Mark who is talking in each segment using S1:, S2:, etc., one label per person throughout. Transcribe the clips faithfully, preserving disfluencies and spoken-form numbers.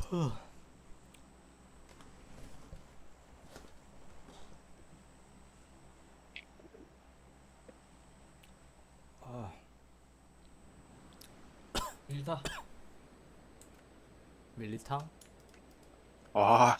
S1: 아,
S2: 일타.
S1: 밀리탕?
S3: 아,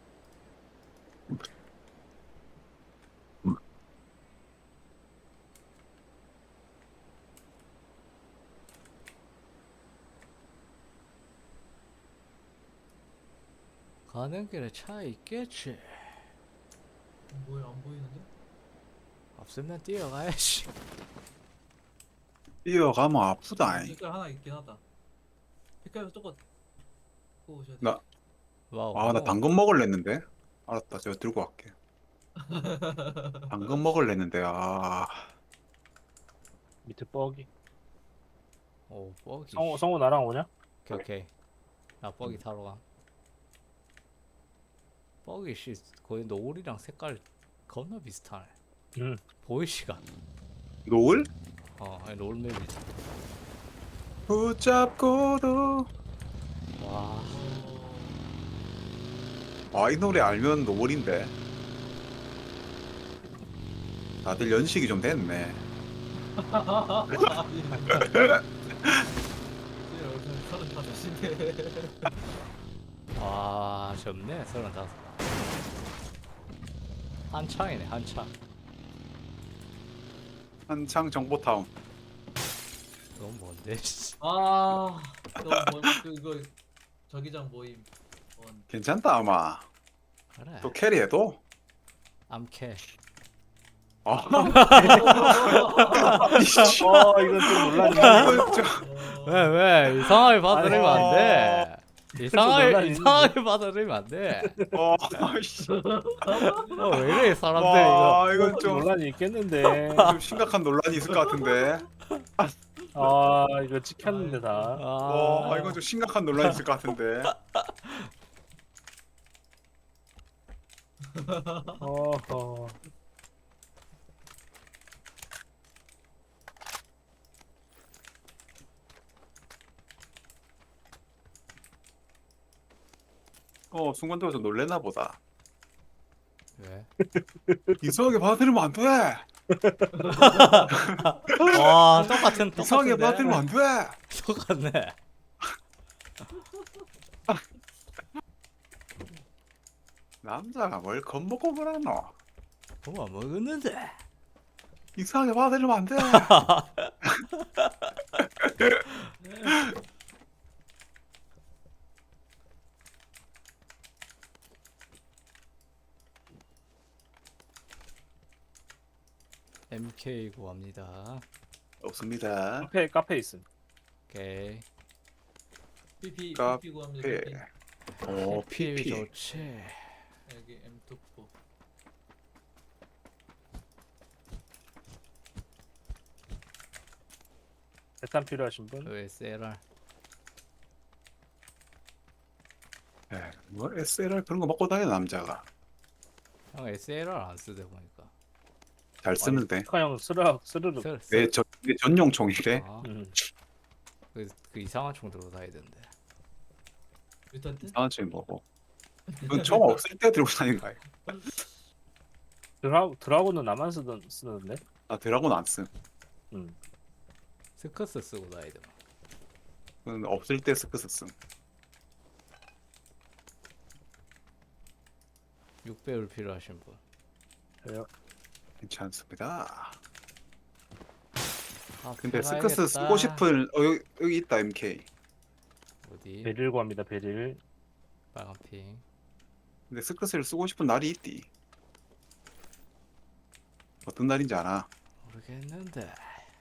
S1: 가는 길에 차 있겠지.
S2: 뭐야 안 보이는데?
S1: 없으면 뛰어가야지.
S3: 뛰어가면 아프다.
S2: 색깔 하나 있긴 하다. 색깔 조금 보고 오셔야 돼.
S3: 나,
S1: 와우.
S3: 아, 나 당근 먹을랬는데. 알았다, 제가 들고 갈게. 당근 먹을랬는데, 아,
S4: 밑에 뻐기.
S1: 오, 뻐기.
S4: 성우 성우 나랑 오냐?
S1: 오케이, 오케이. 나 뻐기 타러 가. 뻐기 씨 거의 노을이랑 색깔 겁나 비슷하네.
S4: 응.
S1: 보이시가?
S3: 노을?
S1: 어, 아니 롤맵이지.
S3: 붙잡고도.
S1: 와,
S3: 아, 이 노래 알면 노을인데. 다들 연식이 좀 됐네.
S2: 서른다섯인데.
S1: 와, 젊네. 서른다섯. 한창이네, 한창.
S3: 한창 정보타운.
S1: 너무 뭔데? 씨.
S2: 아, 너무 뭐 그거 저기장 모임. 원.
S3: 괜찮다, 아마.
S1: 그래.
S3: 또 캐리해도?
S1: 암캐.
S3: 아,
S4: 어 이건 좀 논란이.
S3: 이거 좀.
S1: 왜, 왜? 이상하게 받아들이면 안
S4: 아니,
S1: 돼. 이상하게,
S4: 논란이
S1: 이상하게 받아들이면 안 돼.
S3: 어, 아이씨.
S1: 어, 왜 이래, 사람들이 이거.
S3: 와, 이건 좀,
S4: 논란이 있겠는데.
S3: 좀 심각한 논란이 있을 것 같은데.
S4: 아 이거 찍혔는데 다.
S3: 와,
S1: 아,
S3: 이건 좀 심각한 논란이 있을 것 같은데.
S4: 어허.
S3: 어, 순간적으로 놀랬나 보다.
S1: 왜?
S3: 이상하게 받아들이면 안 돼.
S1: 와, 똑같은,
S3: 이상하게
S1: 똑같은데?
S3: 받아들이면 안 돼.
S1: 똑같네.
S3: 남자가 뭘 겁먹고 그러노.
S1: 그거 먹었는데.
S3: 이상하게 받아들이면 안 돼.
S1: 엠케이 구합니다.
S3: 없습니다.
S4: 카페 카페 있음.
S1: 오케이.
S2: 피피
S3: 카-
S2: 피피 구합니다.
S3: 예.
S2: 피피.
S3: 오,
S1: 피
S3: 피피.
S1: 좋지.
S2: 여기 엠 투포.
S4: 대탄 필요하신 분?
S1: 그 에스엘알.
S3: 예, 뭐 에스엘알 그런 거 먹고 다녀 남자가.
S1: 형 에스엘알 안 쓰대 보니까.
S3: 잘 쓰는데.
S4: 카형 스르륵 스르륵.
S1: 쓰, 쓰.
S3: 내, 전, 내 전용 총인데.
S1: 아,
S4: 음.
S1: 그, 그 이상한 총 들고 다니던데.
S2: 일단 뜻.
S3: 이상한 총이 뭐고. 그건 총 없을 때 들고 다니는 거야.
S4: 드라 드라곤은 나만 쓰던 쓰는데.
S3: 나 드라곤 안 쓴.
S4: 음.
S1: 스커스 쓰고 다니더만.
S3: 그건 없을 때 스크스 쓴.
S1: 육 배율 필요하신 분.
S4: 저요.
S3: 괜찮습니다.
S1: 아,
S3: 근데
S1: 필요하겠다.
S3: 스크스 쓰고 싶은 어, 여기, 여기 있다 엠케이.
S1: 어디?
S4: 베릴 구합니다. 베릴.
S1: 빨간 핑.
S3: 근데 스크스를 쓰고 싶은 날이 있디. 어떤 날인지 알아?
S1: 모르겠는데.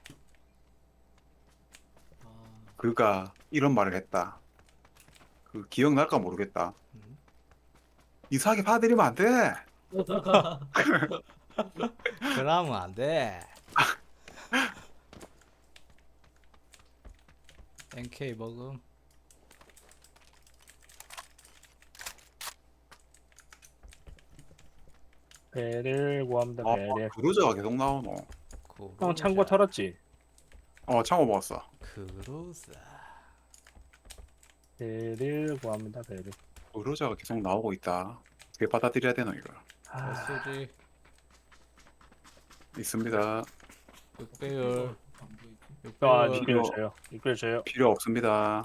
S2: 아,
S3: 그가 이런 말을 했다. 그 기억날까 모르겠다.
S1: 음?
S3: 이상하게 받아들이면 안 돼.
S1: 그러면 안 돼. 엔케이 먹음.
S4: 베릴 구합니다.
S3: 아,
S4: 베릴.
S3: 그루저가 계속 나오노.
S4: 형 창고 털었지?
S3: 어, 창호 먹었어.
S1: 그로자.
S4: 배를 구합니다. 배를.
S3: 의료자가 계속 나오고 있다. 어떻게 받아들여야 되노 이걸?
S4: 아,
S1: 수지
S3: 있습니다.
S1: 육 배율
S2: 안 보이지?
S1: 육
S4: 아,
S1: 배율
S4: 이끌 줘요. 이끌 줘요.
S3: 필요 없습니다.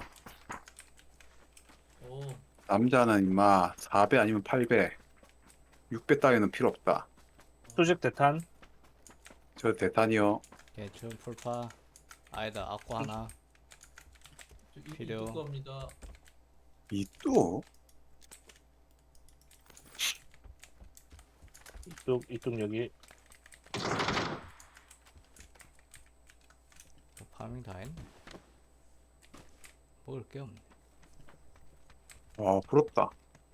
S2: 오,
S3: 남자는 임마 사 배 아니면 팔 배, 육 배 따위는 필요 없다.
S4: 수직 대탄.
S3: 저 대탄이요.
S1: 개춘 풀파 아니다 아쿠 하나
S2: 저 이-
S1: 필요.
S2: 이쪽 겁니다.
S3: 이 또?
S4: 이쪽 이쪽 여기.
S1: 파밍 다 했네. 먹을 게 없네.
S3: 와 부럽다.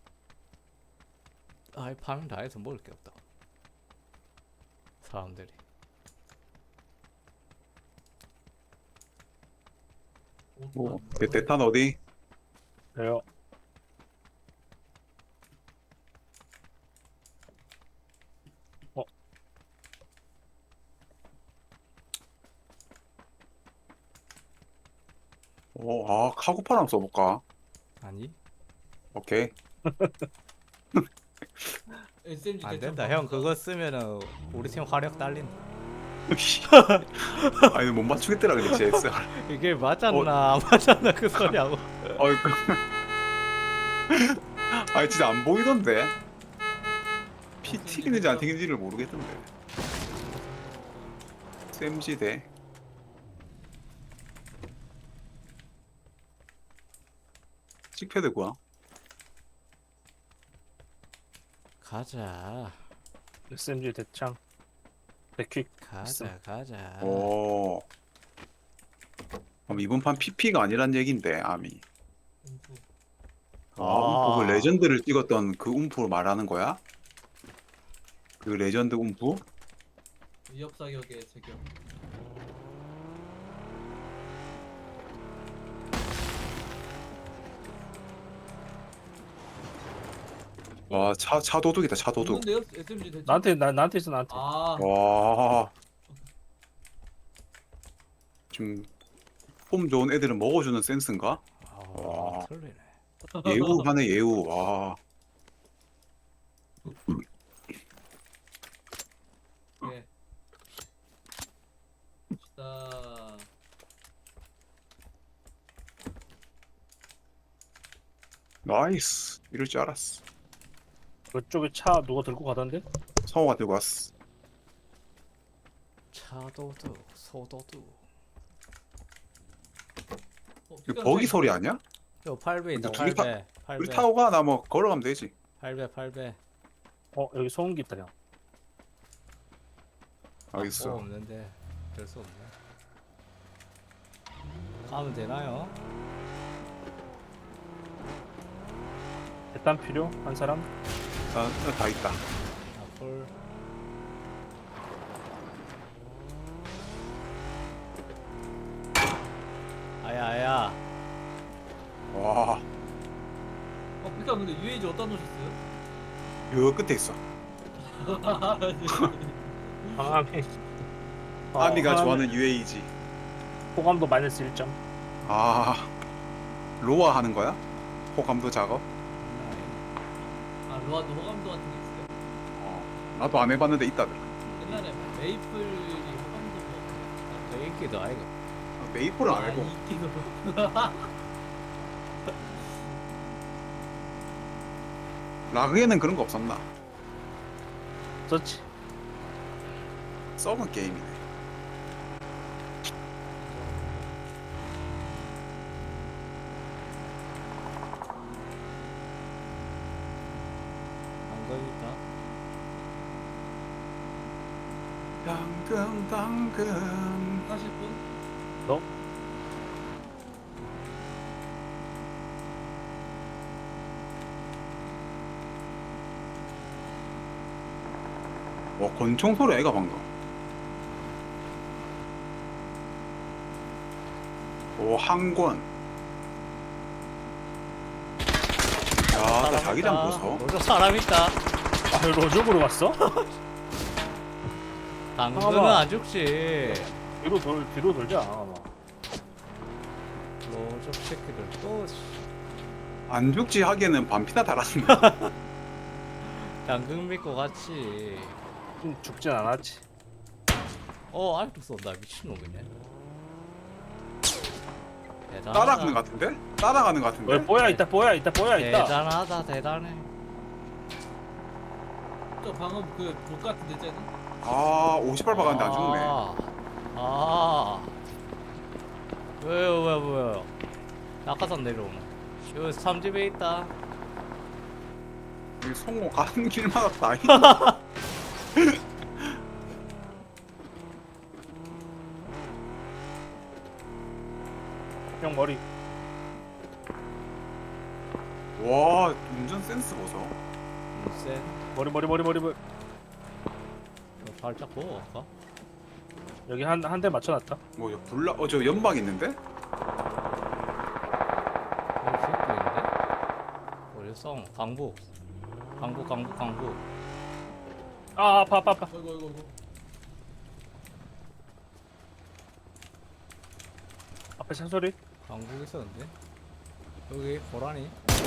S1: 아이 파밍 다 해서 먹을 게 없다. 사람들이.
S2: 옷도
S3: 뭐
S2: 안
S3: 대,
S2: 보여.
S3: 대탄 어디?
S4: 저요.
S3: 어, 아 카고팔 한번 써볼까?
S1: 아니
S3: 오케이.
S2: 에스엠지
S1: 안
S2: 대충
S1: 된다. 형
S2: 갑니다.
S1: 그거 쓰면은 우리 팀 화력 딸린다.
S3: 아니 못 맞추겠더라 그랬지 엑스알.
S1: 이게 맞았나 안 맞았나 그 소리하고.
S3: 어이구. 아니 진짜 안 보이던데. 피 튀기는지 안 튀기는지를 모르겠던데. 쌤지 대. 칙패드 구함.
S1: 가자
S4: 에스엠지 대창. 백퀵.
S1: 가자 가자.
S3: 오. 그럼 이번 판 피피가 아니란 얘긴데 아미.
S2: 공수.
S3: 아,
S1: 아.
S3: 움프 그 레전드를 찍었던 그 움프 말하는 거야? 그 레전드 움프?
S2: 위협 사격의 제격.
S3: 와, 차, 차 도둑이다, 차 도둑.
S2: 없는데요? 에스엠지 대충.
S4: 나한테 나 나한테 있어 나한테.
S2: 아,
S3: 와. 지금 폼 좋은 애들은 먹어주는 센스인가?
S1: 아
S3: 와.
S1: 틀리네.
S3: 예우하네, 예우. 와.
S2: 네. 자,
S3: 나이스. 이럴 줄 알았어.
S4: 그쪽에 차 누가 들고 가던데?
S3: 성호가 들고 왔어.
S1: 차도둑 소도둑.
S2: 어,
S3: 이거 버기 소리 아니야?
S1: 요 팔 배 있다.
S3: 둘이
S1: 팔 배. 팔
S3: 우리
S1: 배.
S3: 타고 가, 나 뭐 걸어가면 되지.
S1: 팔 배 팔 배.
S4: 어 여기 소음기 있다 형.
S3: 알겠어.
S1: 어, 없는데 될 수 없네. 가면 되나요?
S4: 대탄 필요? 한 사람?
S3: 아, 다 있다.
S1: 앞을 아야 아야.
S3: 와,
S2: 어, 그니까 근데 유에이지 어디다 놓으셨어요?
S3: 여 끝에 있어.
S4: 방암이. 어,
S3: 아미가
S4: 방암이
S3: 좋아하는 유에이지.
S4: 호감도 마이너스 일 점.
S3: 아, 로아 하는 거야? 호감도 작업?
S2: 아, 로아도 호감도 같은 게 있어요?
S3: 어, 나도 안 해봤는데 있다더라.
S2: 옛날에 메이플이 호감도 뭐.
S1: 저 인기도 아이가.
S3: 아, 메이플은 안 알고.
S2: 이기도.
S3: 라그에는 그런 거 없었나?
S4: 썼지.
S3: 썩은 게임이네.
S1: 안거니까.
S3: 당근 당근.
S2: 사실 분?
S4: 너?
S3: 어, 권총 소리 애가 방금. 오, 항권. 야, 나 자기장 보소.
S1: 로저 사람 있다.
S4: 아 로족으로 왔어?
S1: 당근은
S4: 잠깐만.
S1: 안 죽지.
S4: 뒤로 돌 뒤로 돌자. 아마.
S1: 로저 새끼들 또. 씨.
S3: 안 죽지 하기에는 반피나 달았네.
S1: 당근 믿고 같이.
S4: 좀 죽진 않았지.
S1: 어 아직도 쏜다 미친놈이네. 대단하다.
S3: 따라가는 것 같은데? 따라가는 것 같은데?
S4: 왜 뽀야 있다 뽀야 있다 뽀야 있다.
S1: 대단하다 대단해.
S2: 저 방금 그복 같은데 쟤는?
S3: 아 오십팔 박았는데 안 죽네.
S1: 아, 아. 왜요 왜요 왜요? 낙하산 내려오네. 여기 삼집에 있다.
S3: 이 송호 가는 길마다 다 있-
S4: 형 머리.
S3: 와 운전 센스 보소.
S1: 쎄.
S4: 머리 머리 머리 머리 머리.
S1: 저 살짝 보고 갈까?
S4: 여기 한 한 대 맞춰놨다.
S3: 뭐저 불나 어저 연막 있는데?
S1: 여기 새끼 있는데? 어디 싸움? 강북. 강북 강북 강북.
S4: 아 아파 아파 아파.
S2: 어이구 어이구 어이구.
S4: 앞에 차 소리.
S1: 강북 있었는데? 여기 고라니.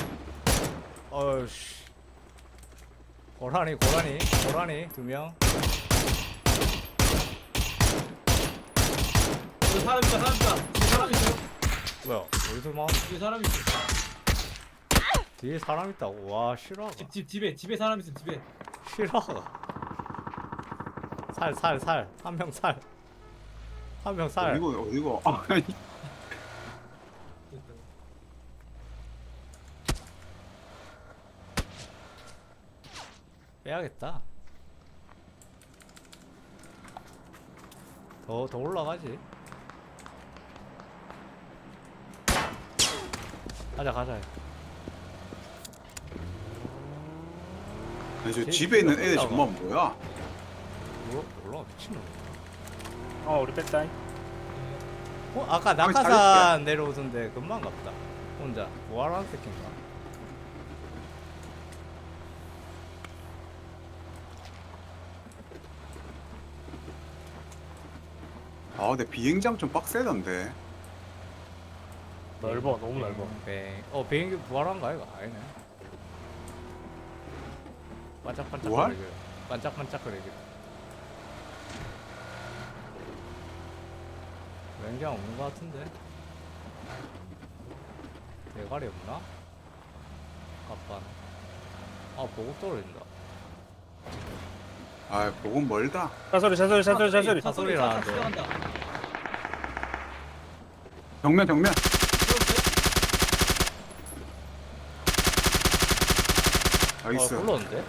S1: 어이씨. 고라니 고라니 고라니 두 명.
S2: 여기 사람 있다 사람 있다. 뒤에 사람 있어요?
S1: 뭐야? 어디서 막
S2: 뒤에 사람 있어.
S1: 뒤에 사람 있다고? 와 실화가
S2: 집, 집 집에 집에 사람 있어 집에.
S1: 실화가. 살 살 살 한 명 살. 한 명 살.
S3: 어디고 어디고? 아니
S2: 됐다.
S1: 빼야겠다. 더 더 올라가지. 가자 가자.
S3: 아니 저
S1: 쟤
S3: 집에 있는 애들
S1: 올라가.
S3: 정말 뭐야?
S1: 뭐 올라가 미친놈.
S4: 어 우리 뺐다잉.
S1: 어 아까
S3: 아니,
S1: 낙하산 내려오던데 금방 갔다. 혼자 뭐하라는 새끼인가?
S3: 아 근데 비행장 좀 빡세던데.
S4: 넓어 너무 넓어.
S1: 뱅. 어 비행기 부활한가 이거 아니네. 반짝반짝
S3: 부활?
S1: 거리게. 반짝반짝 거리게. 랭장 없는 것 같은데. 대가리 없나? 갑반. 아 보급 떨어진다.
S3: 아 보금 멀다.
S4: 차 소리 차 소리 차 소리 차 소리.
S1: 차 소리 나는데.
S2: 들어간다.
S3: 정면 정면. 나이스.
S1: 아 불렀는데?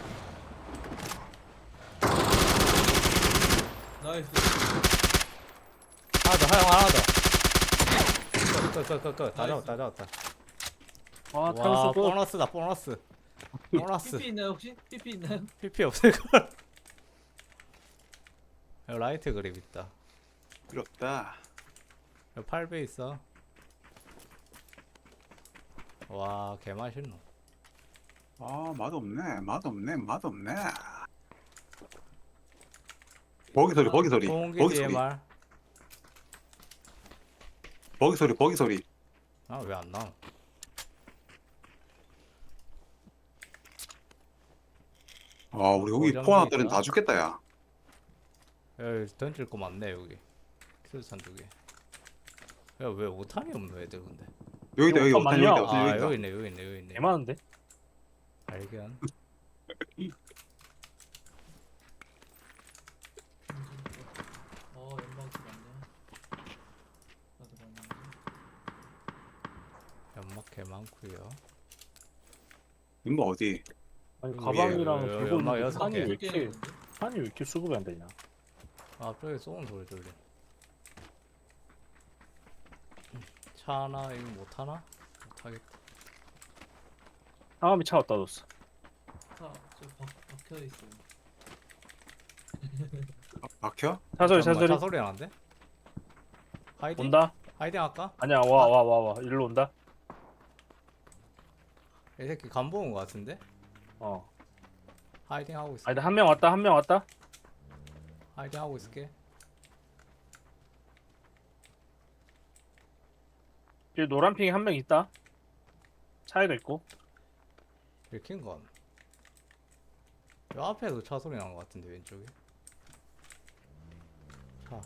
S2: 나이스.
S1: 하나 더 하영 하나 더. 끝끝끝끝다
S2: 나이스.
S1: 잡았다 다 잡았다.
S4: 아
S1: 와
S4: 탄수 끝.
S1: 보너스다 보너스. 보너스.
S2: 피피 있나요 혹시? 피피 있나요?
S1: 피피 없을걸? 여기 라이트 그립 있다.
S3: 부럽다.
S1: 여기 팔 배 있어. 와 개맛있노.
S3: 아 맛없네 맛없네 맛없네. 버기 소리 버기 소리
S1: 소음기
S3: 버기 소리
S1: 디엠알.
S3: 버기 소리 버기 소리.
S1: 아 왜 안 나와?
S3: 아 우리 여기
S1: 고정돼
S3: 포화들은
S1: 있다.
S3: 다 죽겠다 야.
S1: 여기 던질 거 많네 여기. 킬산 두 개. 야왜 오탄이 없노 애들 근데?
S3: 여기다 여기
S4: 이거
S3: 오탄
S4: 맞냐?
S3: 여기다 오탄
S1: 아
S3: 여기다.
S1: 여기 있네 여기 있네 여기 있네.
S4: 개 많은데.
S1: 발견.
S2: 어 연막이 많네. 나도 많네.
S1: 연막 개 많구요.
S3: 이거 어디?
S4: 아니
S1: 위에,
S4: 가방이랑
S1: 여기,
S4: 들고
S1: 여기 연막
S4: 있는
S1: 여섯
S4: 판이
S1: 개.
S4: 왜
S2: 꽤
S4: 이렇게
S2: 있는데?
S4: 판이 왜 이렇게 수급이 안 되냐?
S1: 아 저기 쏘는 소리 들려. 차 하나 이거 못 하나? 못 하겠다.
S4: 상암이 차 어디다 뒀어?
S2: 차, 저 박, 박혀 있어요.
S3: 아, 박혀?
S4: 차 소리 차
S1: 잠깐만,
S4: 소리.
S1: 차 소리 나는데? 하이딩?
S4: 온다?
S1: 하이딩 할까?
S4: 아니야 와 와 와 와 일로 온다.
S1: 이 새끼 간보 온거 같은데?
S4: 어.
S1: 하이딩 하고 있어.
S4: 아니 한 명 왔다 한 명 왔다.
S1: 하이딩 하고 있을게.
S4: 여기 노란 핑이 한 명 있다. 차이가 있고.
S1: 읽힌 건. 요 앞에도 차 소리 난 것 같은데 왼쪽에. 차.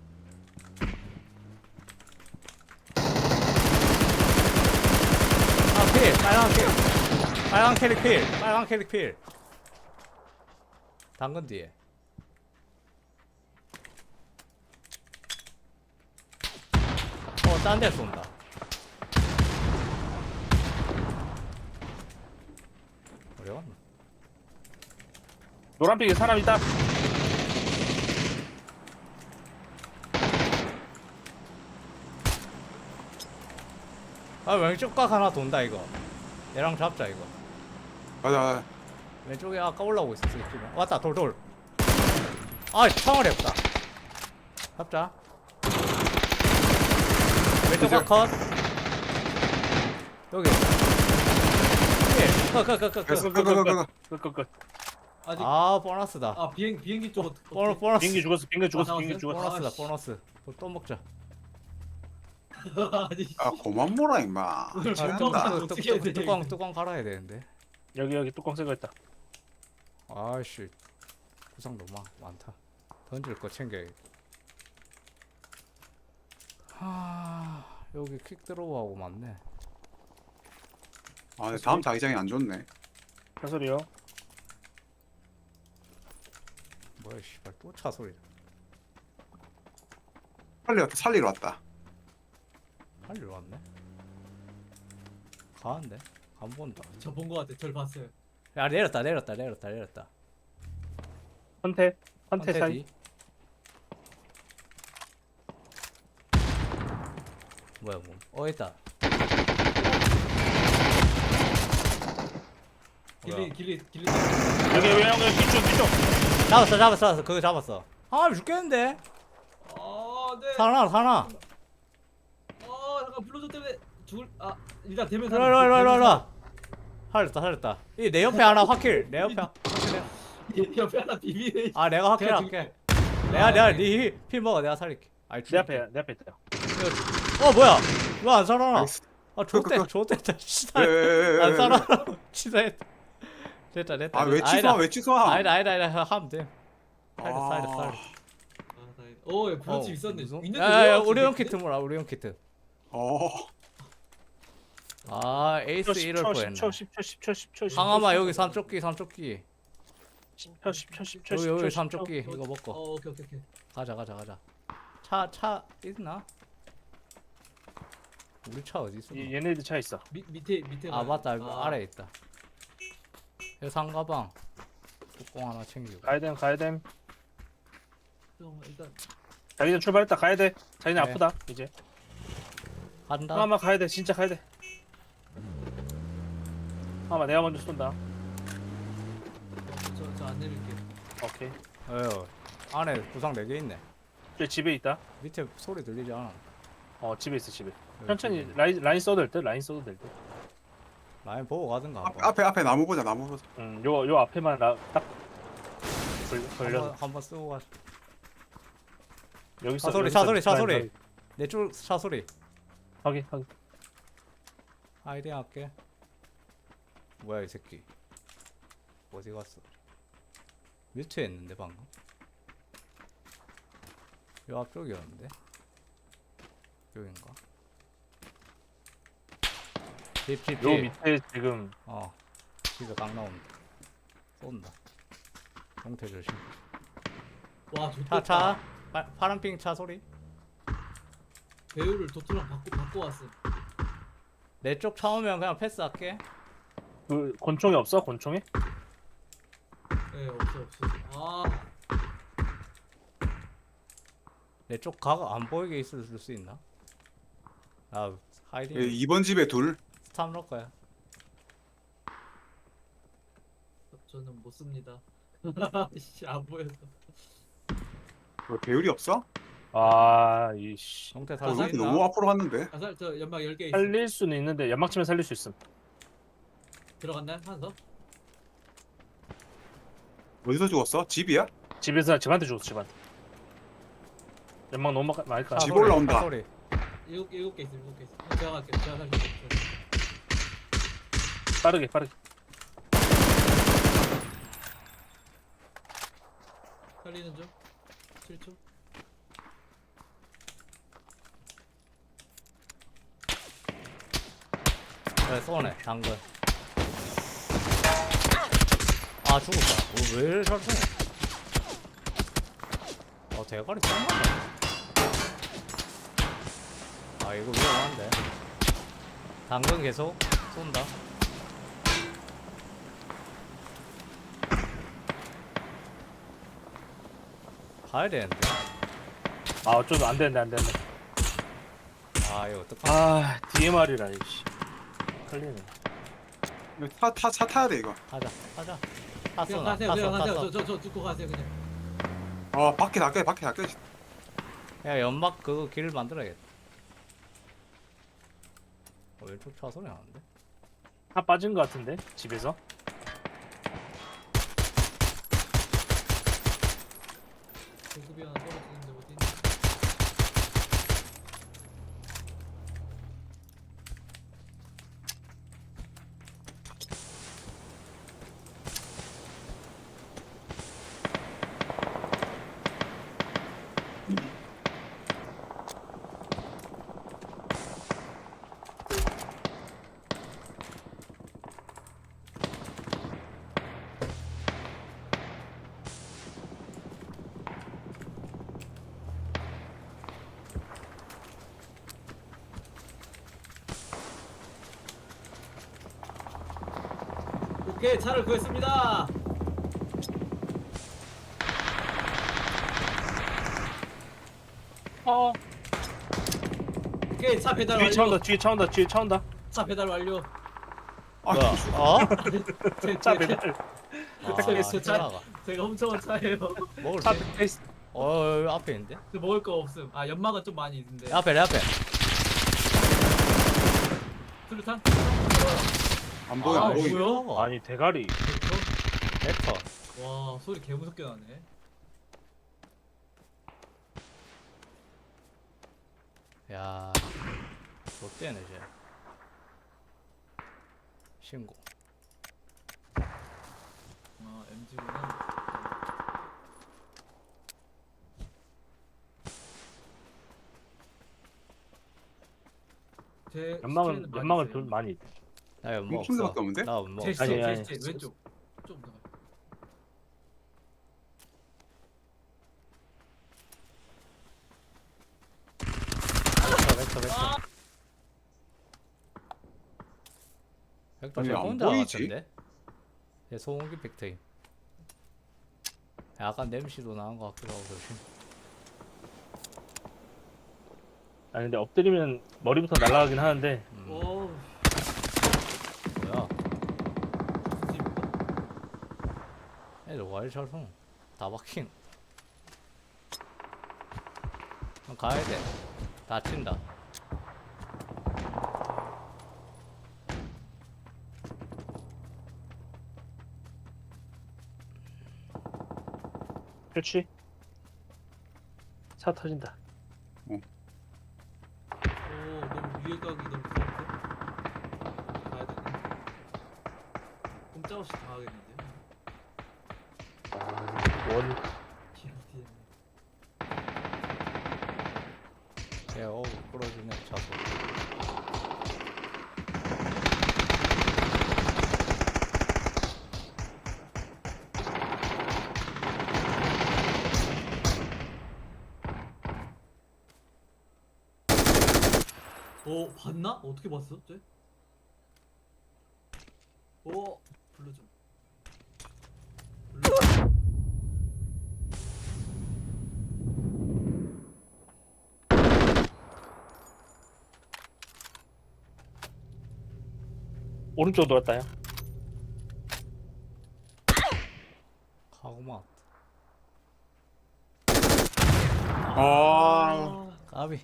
S1: 아 필! 빨간 필! 빨간 캐릭 필! 빨간 캐릭 필! 당근 뒤에. 어, 딴 데 쏜다. 어디 갔나?
S4: 노란색에 사람 있다.
S1: 아, 왼쪽 각 하나 돈다, 이거. 얘랑 잡자, 이거.
S3: 맞아.
S1: 왼쪽에 아까 올라오고 있었어, 지금. 왔다, 돌, 돌. 아, 창을 했다. 잡자. 왼쪽 각 컷. 여기. 예, 컷, 컷, 컷, 컷,
S3: 됐어.
S1: 컷.
S3: 그거 그거 그거.
S4: 끝끝끝.
S2: 아직
S1: 아, 보너스다.
S2: 아 비행 비행기 쪽 어떻게?
S1: 보너, 보너스.
S4: 비행기 죽었어. 비행기 죽었어.
S2: 아,
S4: 비행기
S2: 나왔어요?
S4: 죽었어.
S1: 보너스다,
S2: 아, 씨.
S1: 보너스. 또, 또 먹자.
S2: 아니
S3: 아 고만 뭐라 임마.
S2: 오늘
S1: 아,
S2: 잘
S1: 뚜-
S2: 먹었다.
S1: 뚜-
S2: 어떻게 해야
S1: 뚜-
S2: 돼,
S1: 뚜껑,
S2: 이거?
S1: 뚜껑 갈아야 되는데.
S4: 여기 여기 뚜껑 새거 있다.
S1: 아이씨. 구상 너무 많- 많다. 던질 거 챙겨야겠다. 하, 여기 퀵 드로우하고 많네.
S3: 아 근데 다음 자기장이 안 좋네.
S4: 차 소리요.
S1: 뭐야, 씨발, 또 차 소리.
S3: 살리 왔다. 살리러 왔다.
S1: 빨리 왔네. 가는데? 안 본다.
S2: 저 본 거 같아. 절 봤어요.
S1: 야, 내렸다, 내렸다, 내렸다, 내렸다.
S4: 헌태. 헌태 사이.
S1: 뒤. 뭐야, 뭐. 어, 있다.
S2: 길리 길리 길리.
S4: 여기 왜 여기 뒤쪽 뒤쪽.
S1: 잡았어, 잡았어, 잡았어. 그거 잡았어. 아, 죽겠는데?
S2: 아 네.
S1: 사나, 사나.
S2: 아 잠깐 블루조 때문에 죽을. 아 일단 대면
S1: 일로, 일로, 일로, 일로, 일로. 살렸다, 살렸다. 이 내 옆에 하나 확킬. 내 옆에. 확킬해.
S2: 옆에 하나 비비네.
S1: 아, 내가
S2: 제가
S1: 확킬할게. 내가, 내가 니피 먹어. 내가 살릴게. 아이,
S4: 내 앞에 내 앞에 있다.
S1: 어, 뭐야? 왜 안 살아나?
S3: 나이스.
S1: 아,
S3: 그, 그,
S1: 좋대,
S3: 그.
S1: 좋댔다.
S3: 예,
S1: 씨발.
S3: 예, 예,
S1: 안
S3: 예,
S1: 살아나. 치사했다. 됐다, 됐다.
S3: 아 왜
S1: 아니다.
S3: 취소함 왜 취소함?
S1: 아니다, 아니다, 아니다. 하면 돼. 살렸어,
S3: 아.
S1: 살렸어, 살렸어.
S2: 아 다행이다. 오 예, 블루칩 있었네.
S1: 무슨-
S2: 있는데
S1: 야, 야,
S2: 왜
S1: 야,
S2: 없어,
S1: 우리용
S2: 근데?
S1: 키트 뭐라, 우리용 키트.
S3: 어.
S1: 아, 에이스 일월 거였나.
S4: 십 초 십 초 십 초 십 초 십 초.
S1: 항아마 여기 삼쪽기, 삼쪽기.
S4: 십 초 십 초 십 초.
S1: 여기,
S4: 십 초,
S1: 여기
S4: 십 초.
S1: 삼쪽기. 이거
S2: 어
S1: 먹고.
S2: 오케이 오케이 오케이.
S1: 가자, 가자, 가자. 차, 차 있나? 우리 차 어디 있어?
S4: 이- 얘네들 차 있어.
S2: 밑 밑에 밑에.
S1: 아,
S2: 가요.
S1: 맞다.
S2: 아,
S1: 아래에 있다. 여기 상가방. 뚜껑 하나 챙기고.
S4: 가야 됨 가야 됨.
S2: 좀 일단
S4: 자기네 출발했다 가야 돼. 자기네
S1: 네.
S4: 아프다 이제.
S1: 간다.
S4: 하마 가야 돼 진짜 가야 돼. 하마 내가 먼저 쏜다.
S2: 저저 안 내릴게.
S4: 오케이.
S1: 어휴, 안에 구상 네 개 있네.
S4: 저 집에 있다.
S1: 밑에 소리 들리지 않아?
S4: 어 집에 있어 집에.
S1: 여기
S4: 천천히
S1: 집에.
S4: 라인 라인 써도 될 듯. 라인 써도 될 듯.
S1: 라인 보고 가든가.
S3: 앞, 앞에 앞에 나무 보자 나무 보자.
S4: 음, 요, 요 앞에만 나, 딱 걸, 걸려서
S1: 한번 한번 쓰고 가.
S4: 여기 있어.
S1: 차 소리,
S4: 여기
S1: 차
S4: 있어.
S1: 소리, 차
S4: 라인,
S1: 소리.
S4: 라인.
S1: 내쪽 차 소리.
S4: 확인, 확인.
S1: 아이디 할게. 뭐야 이 새끼. 어디 갔어? 뮤트에 있는데 방금. 요 앞쪽이었는데. 여긴가? 집, 집,
S4: 요
S1: 집.
S4: 밑에 지금
S1: 어. 집에 강 나온다. 쏜다. 형태 조심.
S2: 와
S1: 차,
S2: 좋다.
S1: 차. 파, 파란핑 차 소리.
S2: 배우를 도트랑 바꿔 바꿔 왔어.
S1: 내 쪽 차 오면 그냥 패스할게.
S4: 그 권총이 없어? 권총이?
S2: 예 없어 없어. 아
S1: 내 쪽 각 안 보이게 있을 수 있나? 아, 하이딩.
S3: 예, 이번 집에 둘.
S1: 스탑 넣을 거야.
S2: 저는 못 씁니다. 씨안 보여서.
S3: 왜 배율이 없어?
S4: 아, 이씨.
S1: 형태
S3: 어,
S1: 살수
S3: 여기
S1: 있나?
S3: 너무 앞으로 갔는데.
S2: 가살 저 연막 열 개 있어.
S4: 살릴 수는 있는데 연막 치면 살릴 수 있음.
S2: 들어갔나요? 하나 더?
S3: 어디서 죽었어? 집이야?
S4: 집에서 집한테 죽었어, 집한테. 연막 너무 막- 많이 까.
S1: 차
S3: 집
S1: 소리,
S3: 올라온다.
S1: 차 소리.
S2: 일곱 일곱 개 있어 일곱 개 있어. 제가 갈게요. 제가 갈게요.
S4: 빠르게 빠르게.
S2: 살리는 중. 칠 초.
S1: 그래 쏘네 당근. 아 죽었다. 어, 왜 이래 잘 쏘네. 어 대가리 짱나네. 아 이거 위험한데. 당근 계속 쏜다. 가야 되는데.
S4: 아 어쩌면 안 되는데 안 되는데.
S1: 아 이거 어떡하냐.
S4: 아 디엠알이라 이씨. 걸리네.
S3: 이거 타, 타, 차 타야 돼 이거.
S1: 하자 하자. 타
S2: 그냥
S1: 쏘나
S2: 가세요.
S1: 타
S2: 그냥
S1: 쏘, 타
S2: 가세요.
S1: 쏘.
S2: 저 저 저 듣고 가세요 그냥.
S3: 아 밖에 낚여 밖에 낚여.
S1: 야 연막 그거 길 만들어야겠다. 어, 왼쪽 차 소리 나는데?
S4: 다 빠진 것 같은데 집에서.
S2: 보급이 하나 떨어지는데 어디 있니? 오케이 차를 구했습니다.
S4: 어.
S2: 오케이 차 배달
S4: 뒤에 차
S2: 완료.
S4: 온다 뒤에 차 온다 뒤에 차 온다.
S2: 차 배달 완료.
S3: 아,
S1: 뭐야? 어?
S2: 제,
S4: 차
S2: 제, 제,
S4: 배달.
S1: 아,
S2: 제, 제 차,
S1: 차가
S2: 제가 훔쳐온 차예요.
S1: 먹을
S4: 차
S1: 수 있...
S4: 배달 있어.
S1: 어 여기 앞에 있는데?
S2: 저 먹을 거 없음. 아 연막은 좀 많이 있는데.
S1: 내 앞에 내 앞에.
S2: 수류탄?
S3: 안 보여
S2: 아,
S3: 안 보여.
S2: 뭐야?
S4: 아니 대가리.
S1: 벡터.
S2: 와 소리 개 무섭게 나네.
S1: 야, 롯데네 쟤. 신고.
S2: 아 엠지구나. 제
S4: 연막은
S2: 스킬은 많이
S4: 연막은
S2: 있어요.
S4: 돈 많이. 있-
S1: 나 이거 뭐
S3: 목숨
S1: 없어.
S3: 밖에 없는데?
S1: 나 뭐
S2: 제
S1: 없어.
S2: 시체
S4: 아니,
S2: 제
S4: 아니.
S2: 시체 왼쪽 좀 더.
S1: 벡터 벡터 벡터. 벡터
S3: 아니,
S1: 쟤
S3: 안
S1: 혼자
S3: 보이지?
S1: 같은데? 얘 소음기 벡터임. 약간 냄새도 나는 것 같기도 하고 조심.
S4: 아니 근데 엎드리면 머리부터 날아가긴 하는데.
S1: 음,
S2: 오
S1: 뭐야?
S2: 집인가?
S1: 애들 와일 잘 송. 다 박힌. 그럼 가야 돼. 다친다.
S4: 그렇지. 차 터진다.
S2: 오 너무 위에 가기 너무 무서운데? 가야 되네. 꼼짝없이 다 하겠는데?
S4: 아, 원.
S2: 기분이
S1: 얘 어우 끌어주네 차소.
S2: 어 봤나? 어떻게 봤어? 쟤? 어 불러줘. 불러줘.
S4: 오른쪽 돌았다요.
S1: 가고만.
S3: 아
S1: 까비.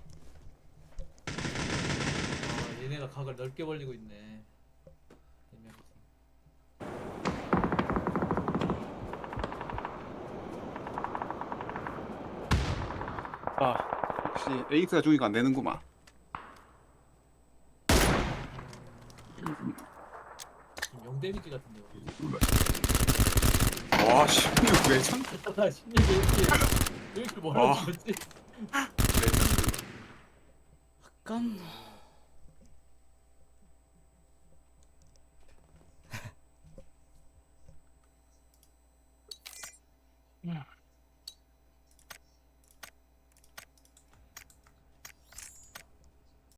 S2: 아 얘네가 각을 넓게 벌리고 있네. 애매하다.
S3: 아, 역시 에이스가 죽이니까 안 되는구만.
S2: 영 데미지 같은데.
S3: 와 십육 레전드.
S2: 나 십육 왜 이렇게 왜 이렇게 멀어
S3: 어.
S2: 죽었지?
S3: 레전드.
S1: 약간